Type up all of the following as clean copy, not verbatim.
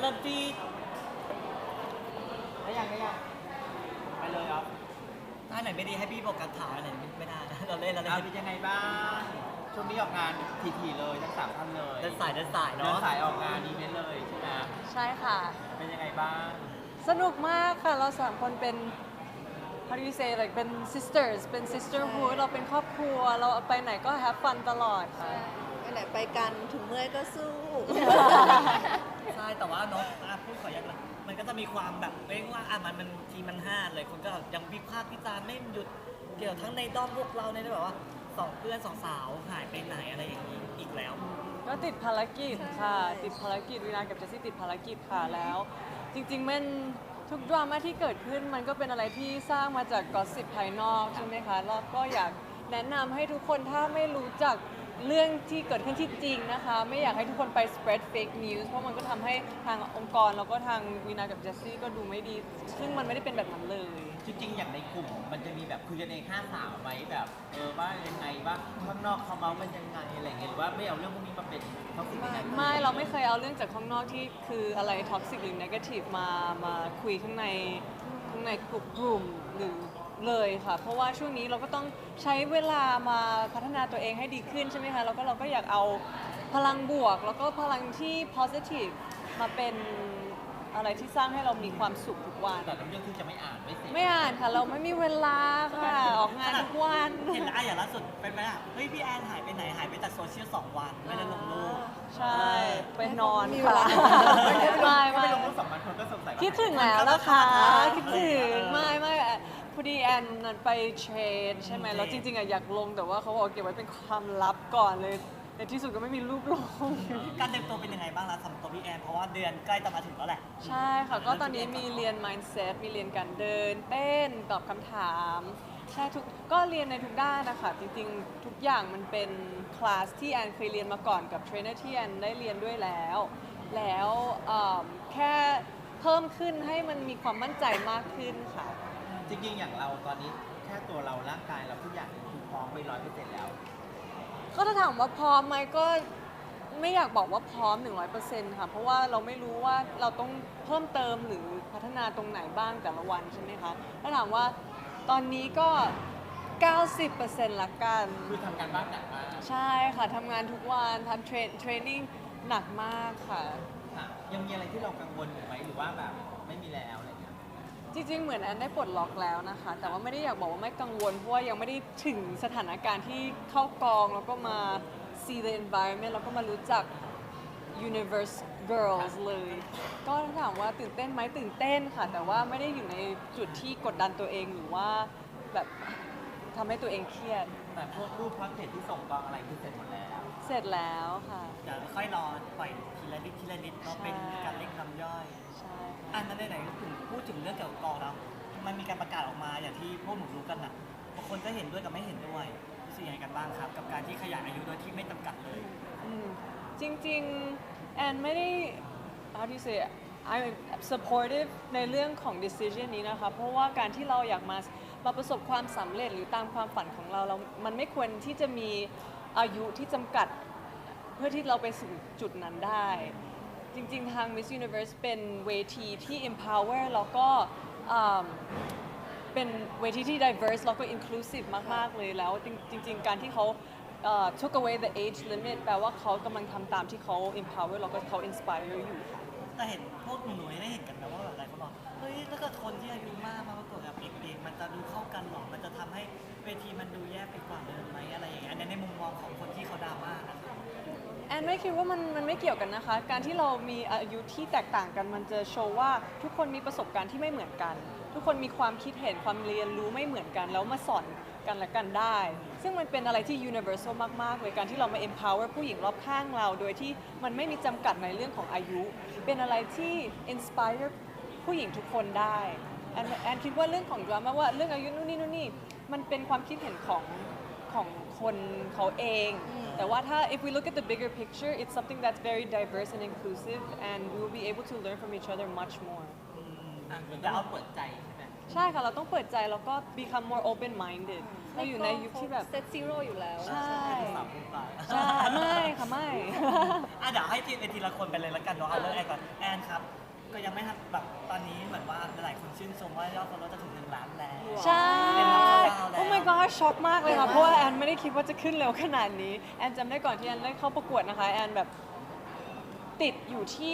ริ่มที่ได้ยังไปเลยครับถ้าไหนไม่ดีให้พี่บอกการถ่ายอะไรไม่ได้นะเราเล่นเป็นยังไงบ้างช่วงนี้ออกงานถี่ๆเลยทั้ง3 ท่านเลยเดินสายเนาะเดินสายออกงานอีเวนต์เลยใช่ไหมใช่ค่ะเป็นยังไงบ้างสนุกมากค่ะ เราสามคนเป็น how do you say like เป็น sisters เป็น sisterhood เราเป็นครอบครัว เราไปไหนก็ have fun ตลอดค่ะไปไหนไปกันถึงเมื่อยก็สู้ใช่แต่ว่าเนาะพูดขอยักละมันก็จะมีความแบบเรียกว่ามันทีมันห้าเลยคนก็ยังวิพากษ์วิจารณ์ไม่หยุดเกี่ยวทั้งในด้อมพวกเราในแบบว่า2 เพื่อน 2 สาวหายไปไหนอะไรอย่างนี้อีกแล้วก็ติดภารกิจค่ะ ติดภารกิจวินากับเจสซี่ติดภารกิจค่ะแล้ว จริงๆมันทุกดราม่าที่เกิดขึ้นมันก็เป็นอะไรที่สร้างมาจากกอสซิปภายนอกใช่ไหมคะแล้วก็อยากแนะนำให้ทุกคนถ้าไม่รู้จักเรื่องที่เกิดขึ้นที่จริงนะคะไม่อยากให้ทุกคนไป spread fake news เพราะมันก็ทำให้ทางองค์กรแล้วก็ทางวีนากับเจสซี่ก็ดูไม่ดี ซึ่งมันไม่ได้เป็นแบบนั้นเลยจริงๆอย่างในกลุ่มมันจะมีแบบคุยกันเอง5 สาวไหมแบบว่ายังไงว่าข้างนอกเขาเมาส์กันยังไงอะไรเงี้ยหรือว่าไม่เอาเรื่องพวกนี้มาเป็นท็อกซิกยังไงไม่เราไม่เคยเอาเรื่องจากข้างนอกที่คืออะไรท็อกซิกหรือเนกาทีฟมาคุยข้างในกลุ่มหรือเลยค่ะ เพราะว่าช่วงนี้เราก็ต้องใช้เวลามาพัฒนาตัวเองให้ดีขึ้นใช่ไหมคะแล้วก็เราก็อยากเอาพลังบวก แล้วก็พลังที่ positive มาเป็นอะไรที่สร้างให้เรามีความสุขทุกวันแต่เรื่องที่จะไม่อ่านไม่เสร็จไม่อ่านค่ะ เราไม่มีเวลาค่ะ ออกงานทุกวันเห็นแล้วอย่างล่าสุดเป็นไหมล่ะเฮ้ยพี่แอนหายไปไหนหายไปจากโซเชียล2 วันไม่ได้ลงรูปใช่ ไปนอนค่ะ ไม่ไม่ลงรูป2 วันคนก็สงสัยว่าคิดถึงแล้วนะคะคิดถึงไม่พอดีแอนนั้นไปเทรดใช่ไหมแล้วจริงๆอะอยากลงแต่ว่าเขาบอกเก็บไว้เป็นความลับก่อนเลยในที่สุดก็ไม่มีรูปลงการเตรียมตัวเป็นยังไงบ้างล่ะสำหรับตัวพี่แอนเพราะว่าเดือนใกล้จะมาถึงแล้วแหละใช่ค่ะ ก็ตอนนี้มีเรียน mindset มีเรียนการเดิน เต้น ตอบคำถาม ใช่ก็เรียนในทุกด้านนะคะ จริงๆ ทุกอย่างมันเป็นคลาสที่แอนเคยเรียนมาก่อนกับเทรนเนอร์ที่แอนได้เรียนด้วยแล้วแค่เพิ่มขึ้นให้มันมีความมั่นใจมากขึ้นค่ะจริงๆอย่างเราตอนนี้แค่ตัวเราร่างกายเราทุกอย่างคือพร้อมไป100%แล้วก็ถ้าถามว่าพร้อมไหมก็ไม่อยากบอกว่าพร้อม 100%ค่ะ เพราะว่าเราไม่รู้ว่าเราต้องเพิ่มเติมหรือพัฒนาตรงไหนบ้างแต่ละวันใช่ไหมคะ ถ้าถามว่าตอนนี้ก็ 90%ละกันคือทำการบ้านหนักมากใช่ค่ะทำงานทุกวันทำเทรนนิ่งหนักมากค่ะค่ะยังมีอะไรที่เรากังวลอยู่ไหมหรือว่าแบบไม่มีแล้วอะไรเงี้ยจริงๆ เหมือนแอนได้ปลดล็อกแล้วนะคะ แต่ว่าไม่ได้อยากบอกว่าไม่กังวล เพราะว่ายังไม่ได้ถึงสถานการณ์ที่เข้ากองแล้วก็มา see the environment แล้วก็มารู้จัก universe girls เลย ก็ถามว่าตื่นเต้นไหมตื่นเต้นค่ะ แต่ว่าไม่ได้อยู่ในจุดที่กดดันตัวเองหรือว่าแบบทำให้ตัวเองเครียดแต่พวกรูปพาสเทจที่ส่งกองอะไรคือเสร็จหมดแล้วเสร็จแล้วค่ะเดี๋ยวค่อยรอปล่อยทีละนิดก็เป็นการเล่นน้ำย่อยใช่ค่ะอันนั้นไหนๆถึงพูดถึงเรื่องเกี่ยวกับกองแล้วมันมีการประกาศออกมาอย่างที่พวกหนูรู้กันนะบางคนก็เห็นด้วยกับไม่เห็นด้วยรู้สึกยังไงกันบ้างครับ กับการที่ขยายอายุโดยที่ไม่จำกัดเลยจริงๆ แอนไม่ได้ how do you say I'm supportive ในเรื่องของ decision นี้นะคะ เพราะว่าการที่เราอยากมาประสบความสำเร็จหรือตามความฝันของเรามันไม่ควรที่จะมีอายุที่จำกัดเพื่อที่เราไปสู่จุดนั้นได้ จริงๆ ทาง Miss Universe เป็นเวทีที่ empower แล้วก็เป็นเวทีที่ diverse แล้วก็ inclusive มาก ๆ เลยแล้วจริงๆ การที่เขาtook away the age limit แปลว่าเขากำลังทำตามที่เขา empower แล้วก็เขา inspire อยู่ค่ะแต่เห็นพวกหนูๆได้เห็นกันนะว่าแบบหลายคนบอกเฮ้ยถ้าเกิดคนที่อายุมากมาประกวดกับเด็กๆมันจะดูเข้ากันหรอมันจะทำให้เวทีมันดูแย่ไปกว่าเดิมไหมอะไรอย่างเงี้ยอันนี้ในมุมมองของคนที่เขาดราม่านะครับแอนไม่คิดว่ามันไม่เกี่ยวกันนะคะ การที่เรามีอายุที่แตกต่างกันมันจะโชว์ว่าทุกคนมีประสบการณ์ที่ไม่เหมือนกัน ทุกคนมีความคิดเห็นความเรียนรู้ไม่เหมือนกัน แล้วมาสอนกันและกันได้ ซึ่งมันเป็นอะไรที่ universal มากๆเลยการที่เรามา empower ผู้หญิงรอบข้างเรา โดยที่มันไม่มีจำกัดในเรื่องของอายุ เป็นอะไรที่ inspire ผู้หญิงทุกคนได้แอนคิดว่าเรื่องของดราม่าว่าเรื่องอายุนู่นนี่มันเป็นความคิดเห็นของคนเขาเอง แต่ว่าถ้า if we look at the bigger picture it's something that's very diverse and inclusive and we will be able to learn from each other much more เหมือนกับเราเปิดใจใช่ไหมใช่ค่ะ เราต้องเปิดใจแล้วก็ become more open minded เราอยู่ในยุคที่แบบเซตซีโร่อยู่แล้วใช่สาวคุณตาใช่ไม่ค่ะไม่เดี๋ยวให้ทีละคนไปเลยแล้วกันเนาะเอาเรื่องแอนก่อนแอนครับ ก็ยังไม่ทันแบบตอนนี้เหมือนว่าหลายคนชื่นชมว่ายอด follow จะถึง1 ล้านแล้วใช่เป็นรับดาวแล้วโอ้ my god ช็อกมากเลยค่ะ เพราะว่าแอนไม่ได้คิดว่าจะขึ้นเร็วขนาดนี้ แอนจำได้ก่อนที่แอนได้เข้าประกวดนะคะ แอนแบบติดอยู่ที่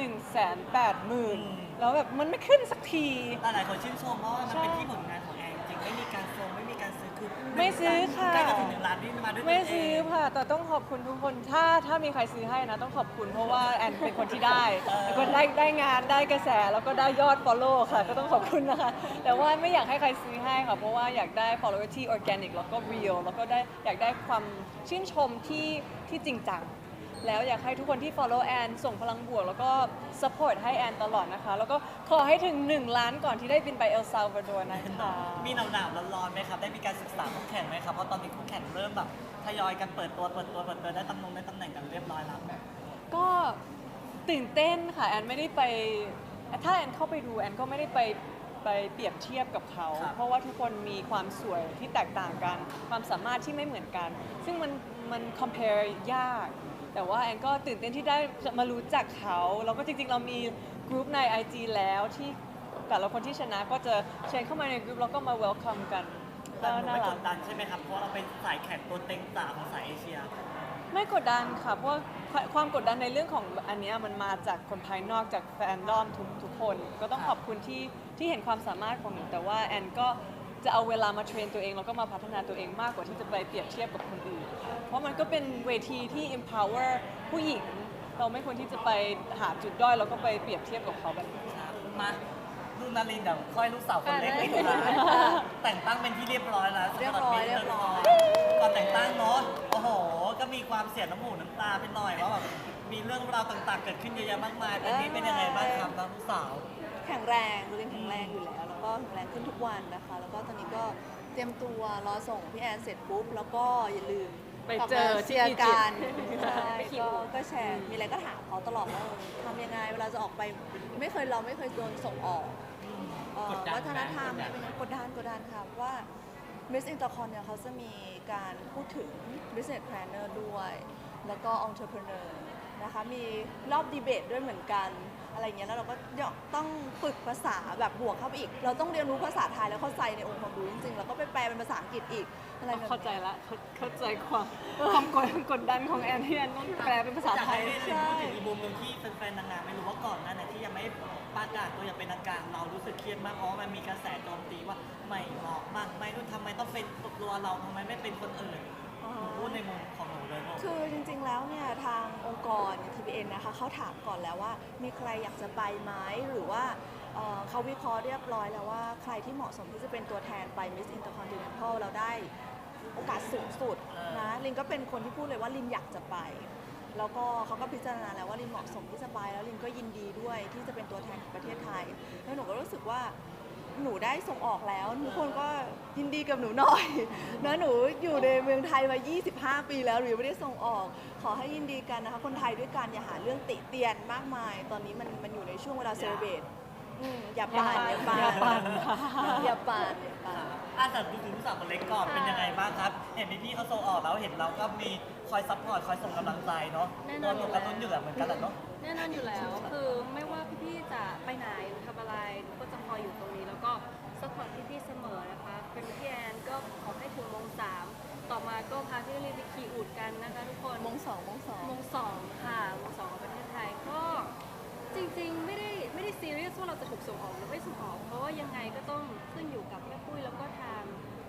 180,000 แล้วแบบมันไม่ขึ้นสักทีหลายคนชื่นชมเพราะว่ามันเป็นที่ผลงานของแอนจริงไม่มีการโฟมไม่มีการซื้อคือไม่ซื้อค่ะใกล้จะถึง1 ล้านนี่มาด้วยตัวไม่เองซื้อค่ะ แต่ต้องขอบคุณทุกคน ถ้ามีใครซื้อให้นะ ต้องขอบคุณเพราะว่าแอนเป็นคนที่ได้เป็นคนได้งานได้กระแสแล้วก็ได้ยอด follow ค่ะ ก็ต้องขอบคุณนะคะ แต่ว่าไม่อยากให้ใครซื้อให้ค่ะ เพราะว่าอยากได้ follower ที่ organic แล้วก็ real แล้วก็อยากได้ความชื่นชมที่จริงจัง แล้วอยากให้ทุกคนที่ follow แอนส่งพลังบวกแล้วก็ support ให้แอนตลอดนะคะ แล้วก็ขอให้ถึง 1 ล้านก่อนที่ได้บินไปเอลซาวาดอร์นะคะมีหนาวๆร้อนๆไหมครับ ได้มีการศึกษาคู่แข่งไหมครับ เพราะตอนนี้คู่แข่งเริ่มแบบทยอยกันเปิดตัวได้ตำแหน่งกันเรียบร้อยแล้วก็ตื่นเต้นค่ะแอนไม่ได้ไปถ้าแอนเข้าไปดูแอนก็ไม่ได้ไปเปรียบเทียบกับเขาครับเพราะว่าทุกคนมีความสวยที่แตกต่างกัน ความสามารถที่ไม่เหมือนกัน ซึ่งมัน compare ยาก แต่ว่าแอนก็ตื่นเต้นที่ได้มารู้จักเขาแล้วก็จริงๆเรามีกลุ่มใน IG แล้วที่แต่ละคนที่ชนะก็จะเชิญเข้ามาในกลุ่มแล้วก็มา welcome กันแต่หนูน่าไม่กรักดดันใช่ไหมครับ เพราะว่าเราเป็นสายแข่งตัวเต็งจ๋าของสายเอเชียไม่กดดันค่ะ เพราะว่าความกดดันในเรื่องของอันเนี้ยมันมาจากคนภายนอกจากแฟนดอมทุกคน ก็ต้องขอบคุณที่เห็นความสามารถของหนูแต่ว่าแอนก็จะเอาเวลามาเทรนตัวเองแล้วก็มาพัฒนาตัวเองมากกว่าที่จะไปเปรียบเทียบกับคนอื่นค่ะเพราะมันก็เป็นเวทีที่ empower ผู้หญิง เราไม่ควรที่จะไปหาจุดด้อยแล้วก็ไปเปรียบเทียบกับเขาแบบนี้ครับมาลูกนารินเดี๋ยวค่อยลูกสาวคนเล็กได้นี่นะแต่งตั้งเป็นที่เรียบร้อยแล้วเรียบร้อยสำหเรียบร้อยก่อนแต่งตั้งเนาะโอ้โห ก็มีความเสียน้ำหูน้ำตาไปหน่อยว่าแบบมีเรื่องราวต่างๆ เกิดขึ้นเยอะแยะมากมายตอนนี้เป็นยังไงบ้างครับน้องลูกสาวแข็งแรงดูเรียนแข็งแรงอยู่แล้ว แล้วก็แข็งแรงขึ้นทุกวันนะคะ แล้วก็ตอนนี้ก็เตรียมตัวรอส่งพี่แอนเสร็จปุ๊บ แล้วก็อย่าลืมไปเจอที่เชียร์กันอียิปต์ใช่ก็แชร์มีอะไรก็ถามเขาตลอดว่าทำยังไงเวลาจะออกไปเราไม่เคยโดนส่งออกวัฒนธรรมเป็นไงกดดันค่ะเพราะว่า Miss Intercon เนี่ยเขาจะมีการพูดถึง business planner ด้วย แล้วก็ entrepreneur นะคะมีรอบดีเบตด้วยเหมือนกันอะไรเงี้ยแล้วเราก็ต้องฝึกภาษาแบบบวกเข้าไปอีก เราต้องเรียนรู้ภาษาไทยแล้วเข้าใจในองค์ความรู้จริงๆแล้วก็ไปแปลเป็นภาษาอังกฤษอีกอะไรแบบเข้าใจนี้ละเข้าใจความกดดันของแอนที่แอนต้องแปลเป็นภาษาไทยอยากให้พูดถึงอีกมุมหนึ่งที่แฟนๆนางงามไม่รู้ว่าก่อนหน้าไหนที่ยังไม่ประกาศตัวอย่างเป็นทางการเรารู้สึกเครียดมากเพราะว่ามันมีกระแสโจมตีว่าไม่เหมาะมากไม่รู้ทำไมต้องเป็นตัวเราทำไมไม่เป็นคนอื่นหนูพูดในมุมของหนูเลยลูกคือจริงๆ แล้วเนี่ยทางองค์กร TPN นะคะเขาถามก่อนแล้วว่ามีใครอยากจะไปไหมหรือว่าเขาวิเคราะห์เรียบร้อยแล้วว่าใครที่เหมาะสมที่จะเป็นตัวแทนไป Miss Intercontinental เราได้โอกาสสูงสุดนะลินก็เป็นคนที่พูดเลยว่าลินอยากจะไป แล้วก็เขาก็พิจารณาแล้วว่าลินเหมาะสมที่จะไปแล้วลินก็ยินดีด้วยที่จะเป็นตัวแทนของประเทศไทยแล้วหนูก็รู้สึกว่าหนูได้ส่งออกแล้วทุกคนก็ยินดีกับหนูหน่อย นะหนูอยู่ในเมืองไทยมา 25 ปีแล้วหนูยังไม่ได้ส่งออก ขอให้ยินดีกันนะคะ คนไทยด้วยกันอย่าหาเรื่องติเตียนมากมาย ตอนนี้มันอยู่ในช่วงเวลาเซเลเบรตอย่าปั่นอย่าปั่นค่ะอย่าปั่นอย่าปั่นแต่ดูถึงลูกสาวคนเล็กก่อนเป็นยังไงบ้างครับ เห็นพี่ๆเขาส่งออกแล้วเห็นเราก็มีคอยซัพพอร์ตคอยส่งกำลังใจเนาะแน่นตัอวน หนูกระตุ้นอยู่แบบเหมือนกันแหละเนาะแน่นอนอยู่แล้ว คือไม่ว่าพี่ๆจะไปไหนหรือทำอะไรหนูก็จะคอยอยู่ตรงนี้ แล้วก็สปอร์ตพี่ๆเสมอนะคะ เป็นพี่แอนก็ขอให้ถึงโมง 3ต่อมาก็พาพี่ลีไปขี่อูฐกันนะคะทุกคนมงสองโมง 2ค่ะโมง 2ของประเทศไทยก็จริงๆไม่ได้ซีเรียสว่าเราจะถูกส่งออกหรือไม่ส่งออก เพราะว่ายังไงก็ต้องขึ้นอยู่กับแม่ปุ้ยแล้วก็ทาง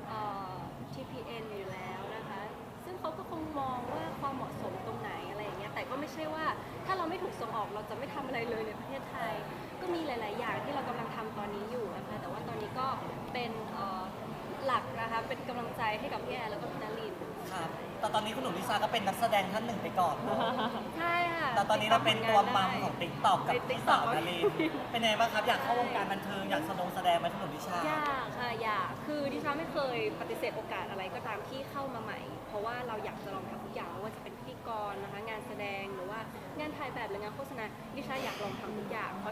TPN อยู่แล้วนะคะ ซึ่งเขาก็คงมองว่าความเหมาะสมตรงไหนอะไรอย่างเงี้ย แต่ก็ไม่ใช่ว่าถ้าเราไม่ถูกส่งออกเราจะไม่ทำอะไรเลยในประเทศไทย ก็มีหลาย ๆ อย่างที่เรากำลังทำตอนนี้อยู่นะคะ แต่ว่าตอนนี้ก็เป็นหลักนะคะ เป็นกำลังใจให้กับพี่แอนแล้วก็พี่นารินครับ แต่ตอนนี้คุณหนุ่มลิซ่าก็เป็นนักแสดงท่านหนึ่งไปก่อนเนอะใช่ค่ะแต่ตอนนี้เราเป็นตัวมัมของติ๊ติ๊กต็อกกับในพี่ TikTok สาวนารินเป็นไงบ้างครับอยากเข้าวงการบันเทิงอยากแสดงไหมคุณหนุ่มลิซ่ายากค่ะยากคือดิฉันไม่เคยปฏิเสธโอกาสอะไรก็ตามที่เข้ามาใหม่ เพราะว่าเราอยากจะลองทำทุกอย่างไม่ว่าจะเป็นพิธีกรนะคะงานแสดงหรือว่างานถ่ายแบบหรืองานโฆษณาดิฉันอยากลองทำทุกอย่าง เพราะฉะนั้น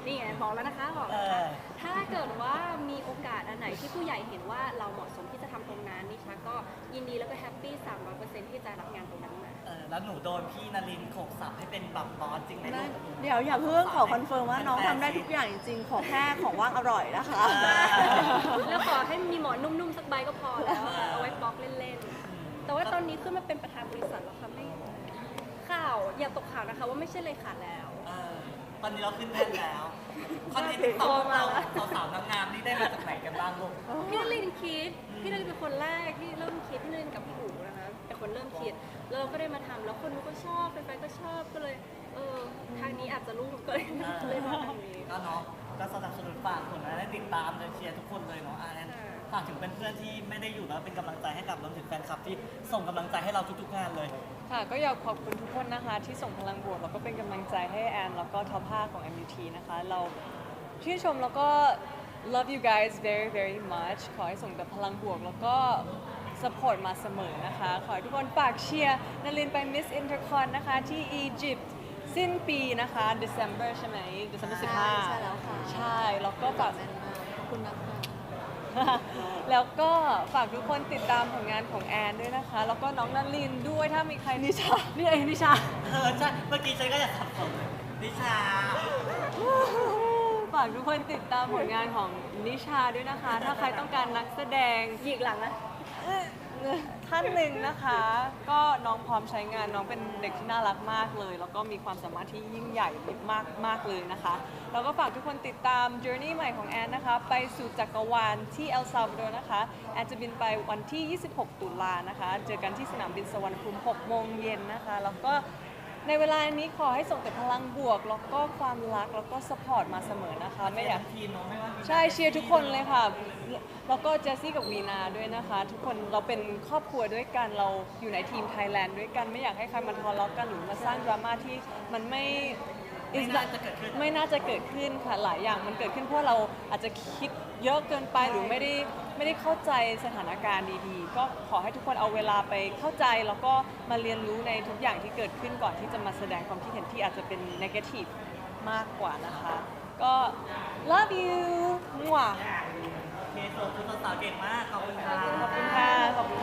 นี่ไงบอกแล้วนะคะบอกเอแล้วนะคะอถ้าเกิดว่ามีโอกาสอันไหนที่ผู้ใหญ่เห็นว่าเราเหมาะสมที่จะทำตรงนั้นนิชาก็ยินดีแล้วก็แฮปปี้300%ที่จะรับงานตรงนั้นมาแล้วหนูโดนพี่นรินทร์โขกสับให้เป็นแบบบอสจริงไหมลูกเดี๋ยวอย่าเพิ่งขอคอนเฟิร์มว่าน้องทำได้ทุกอย่างจริงๆ ขอแค่ของว่างอร่อยนะคะแล้วขอให้มีหมอนนุ่มๆสักใบก็พอแล้วอะเอาไว้บล็อกเล่นๆ แต่ว่าตอนนี้ขึ้นมาเป็นประธานบริษัทแล้วค่ะไม่ข่าวอย่าตกข่าวนะคะว่าไม่ใช่เลยขาดแล้วตอนนี้เราขึ้นแท่นแล้วคอนเทนต์ติ๊กต็อกเราสาวๆงามๆนี่ได้มาจากไหนกันบ้างลูกพี่นรินทร์คิด พี่นรินทร์เป็นคนแรกที่เริ่มคิด พี่นรินทร์กับพี่อู๋นะคะเป็นคนเริ่มคิดแล้วเราก็ได้มาทำแล้วคนก็ชอบแฟนๆก็ชอบก็เลยทางนี้อาจจะรุ่งก็เลยมาทางนี้ก็เนาะก็สนับสนุนฝากคนนะได้ติดตามเลยเชียร์ทุกคนเลยเนาะนั้นค่ะฝากถึงเพื่อนๆที่ไม่ได้อยู่แล้วเป็นกำลังใจให้กับรวมถึงแฟนคลับที่ส่งกำลังใจให้เราทุกๆงานเลยค่ะก็อยากขอบคุณทุกคนนะคะที่ส่งพลังบวกแล้วก็เป็นกำลังใจให้แอนแล้วก็ท็อป5ของ MUT นะคะเราชื่นชมแล้วก็ love you guys very very much ขอให้ส่งแต่พลังบวกแล้วก็ support มาเสมอนะคะ ขอให้ทุกคนฝากเชียร์นลินไป Miss Intercon นะคะที่อียิปต์สิ้นปีนะคะ December ใช่ไหม December 15 ใช่แล้วค่ะใช่แล้วก็ฝากแม่นมากขอบคุณนะคะแล้วก็ฝากทุกคนติดตามผลงานของแอนด้วยนะคะ แล้วก็น้องนันลินด้วยถ้ามีใครนิชา นี่เองนิชาใช่เมื่อกี้ฉันก็อยากสับสนนิชาฝากทุกคนติดตามผลงานของนิชาด้วยนะคะ ถ้าใครต้องการนักแสดงหยิกหลังนะท่านหนึ่งนะคะ ก็น้องพร้อมใช้งานน้องเป็นเด็กที่น่ารักมากเลย แล้วก็มีความสามารถที่ยิ่งใหญ่มากเลยนะคะ แล้วก็ฝากทุกคนติดตาม journey ใหม่ของแอนนะคะ ไปสู่จักรวาลที่เอลซาวาดอร์นะคะ แอนจะบินไปวันที่ 26 ตุลานะคะ เจอกันที่สนามบินสุวรรณภูมิ 6 โมงเย็นนะคะ แล้วก็ในเวลานี้ขอให้ส่งแต่พลังบวก แล้วก็ความรัก แล้วก็สปอร์ตมาเสมอนะคะ ไม่อยากทีมเนาะไม่ว่าใช่เชียร์ทุกคนเลยค่ะ แล้วก็เจสซี่กับวีนาด้วยนะคะ ทุกคนเราเป็นครอบครัวด้วยกัน เราอยู่ในทีมไทยแลนด์ด้วยกัน ไม่อยากให้ใครมาทะเลาะกันหรือมาสร้างดราม่าที่มันไม่ไม่น่าจะเกิดขึ้นไม่น่าจะเกิดขึ้นค่ะ หลายอย่างมันเกิดขึ้นเพราะเราอาจจะคิดเยอะเกินไปหรือไม่ได้เข้าใจสถานการณ์ดีๆ ก็ขอให้ทุกคนเอาเวลาไปเข้าใจแล้วก็มาเรียนรู้ในทุกอย่างที่เกิดขึ้นก่อนที่จะมาแสดงความคิดเห็นที่อาจจะเป็น negative มากกว่านะคะ ก็ love you มั่วโอเคส่งคุณสาวๆเก่งมาก ขอบคุณค่ะขอบคุณค่ะขอบคุณ